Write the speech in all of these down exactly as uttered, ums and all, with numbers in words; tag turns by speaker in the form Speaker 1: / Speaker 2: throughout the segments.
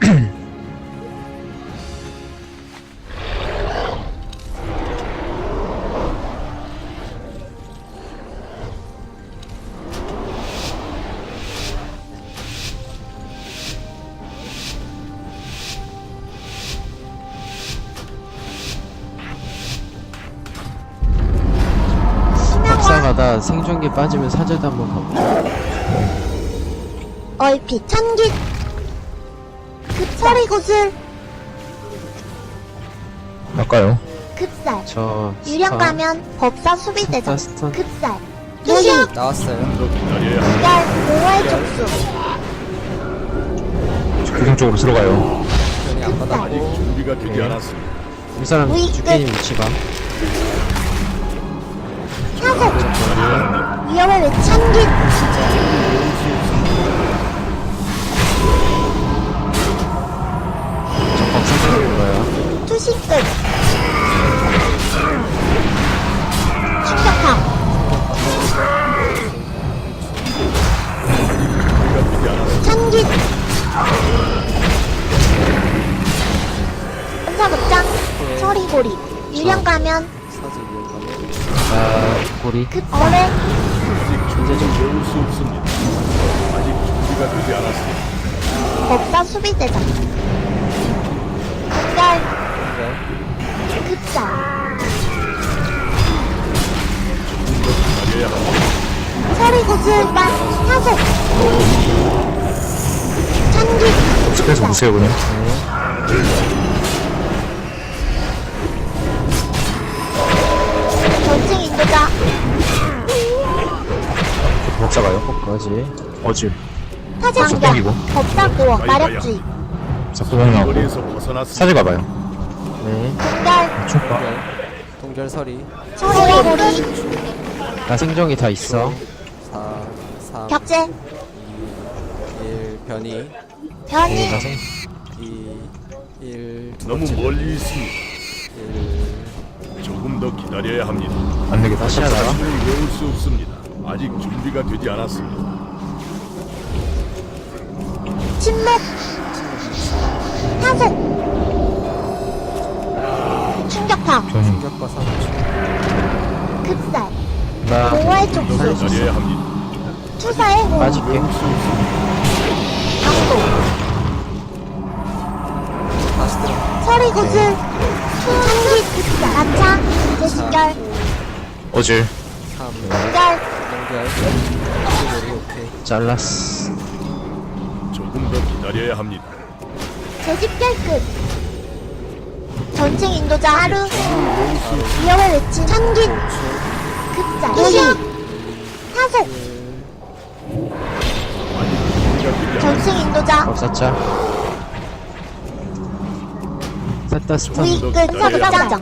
Speaker 1: 법사가다 생존기 빠지면 사제도 한번 가보자.
Speaker 2: 얼핏 천깃 급살의 구슬
Speaker 3: 할까요?
Speaker 2: 급살
Speaker 1: 저
Speaker 2: 유령
Speaker 1: 스턴,
Speaker 2: 가면 법사 수비대장
Speaker 1: 스턴, 스턴.
Speaker 2: 급살 투시
Speaker 4: 나왔어요.
Speaker 2: 열 공허의 촉수
Speaker 3: 교정 쪽으로 들어가요.
Speaker 4: 변이 안 받았고.
Speaker 5: 준비가 되지 않았습니다.
Speaker 1: 이 사람
Speaker 2: 우익
Speaker 1: 죽기님 위치가
Speaker 2: 사속 위험을 외 천깃
Speaker 1: 저 법사 죽는
Speaker 2: 투시끝 충격파 천깃 천사극장 서리고리 유령 가면
Speaker 4: 사지 위험하네.
Speaker 1: 자 고리
Speaker 2: 급어뢰
Speaker 5: 아직 배울 수 없습니다. 아직 준비가 되지 않았습니다.
Speaker 2: 법사 수비대장 급별 급살
Speaker 5: 기다려야 합니다.
Speaker 2: 서리구슬반 사속 천깃
Speaker 3: 스페이스 보세요, 그냥.
Speaker 2: 전층 인도자
Speaker 3: 법사가요?
Speaker 1: 거지.
Speaker 3: 어지.
Speaker 2: 사제관경
Speaker 3: 땡기고.
Speaker 2: 법사고어 마력주의
Speaker 3: 자꾸만 나오고.
Speaker 5: 거리에서 벗어났습니다.
Speaker 3: 사제 가봐요.
Speaker 1: 네.
Speaker 2: 급별
Speaker 3: 충파.
Speaker 4: 동결 서리.
Speaker 2: 서리고리
Speaker 1: 나 생존기 다 있어.
Speaker 4: 사, 삼,
Speaker 2: 격제
Speaker 4: 일, 변이.
Speaker 2: 변이
Speaker 1: 나 생.
Speaker 4: 이, 일, 두
Speaker 5: 너무
Speaker 4: 번째.
Speaker 5: 멀리 있습니다.
Speaker 4: 일,
Speaker 5: 조금 더 기다려야 합니다.
Speaker 3: 안 되겠다.
Speaker 1: 다시 하다가
Speaker 5: 힘을 외울 수 없습니다. 아직 준비가 되지 않았습니다.
Speaker 2: 침묵 사속 충격파
Speaker 3: 변이.
Speaker 4: 충격과 삼 초.
Speaker 2: 급살
Speaker 1: 나
Speaker 2: 공허의 촉수
Speaker 1: 살릴 수 있어.
Speaker 5: 기다려야 합니다.
Speaker 2: 투사의 호흡
Speaker 1: 빠질게.
Speaker 5: 외울 수 없습니다.
Speaker 2: 강도
Speaker 4: 다시 들어.
Speaker 2: 서리구슬 천깃 급살 마차 재신결
Speaker 3: 어질.
Speaker 4: 삼,
Speaker 2: 연결
Speaker 4: 동결. 동결이 오케이.
Speaker 1: 잘랐어.
Speaker 5: 조금 더 기다려야 합니다.
Speaker 2: 재집결 끝 전층 인도자 하루 위험을 외친 천깃 급살 도시 사속 전층 인도자
Speaker 1: 법사차. 셋다 스턴.
Speaker 2: 우익 끝 서극장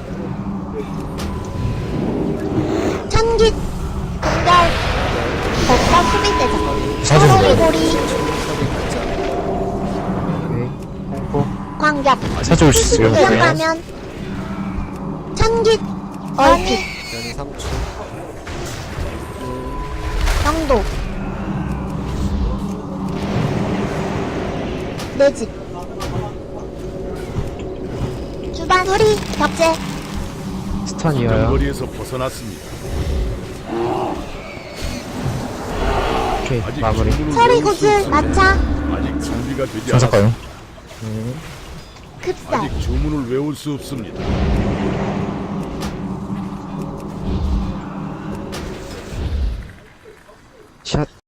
Speaker 2: 천깃 급별 법사 수비대장
Speaker 3: 사제 가봐요.
Speaker 2: 서리고리
Speaker 1: 오케이. 홍보.
Speaker 2: 광격
Speaker 3: 사제 올 수 있어요.
Speaker 2: 유령
Speaker 3: 그냥.
Speaker 2: 가면 천깃 얼핏
Speaker 4: 변이 삼 초.
Speaker 2: 영도 내집 주반 소리 격제
Speaker 1: 스턴 이어요.
Speaker 5: 거리에서 벗어났습니다.
Speaker 1: 오케이.
Speaker 5: 아직
Speaker 1: 마무리.
Speaker 5: 주문을
Speaker 2: 서리구슬
Speaker 5: 외울 수 없습니다.
Speaker 2: 마차
Speaker 5: 아직 준비가 되지
Speaker 3: 전사
Speaker 5: 않았습니다.
Speaker 3: 가요.
Speaker 2: 급살
Speaker 5: 아직 주문을 외울 수 없습니다.
Speaker 1: 샷.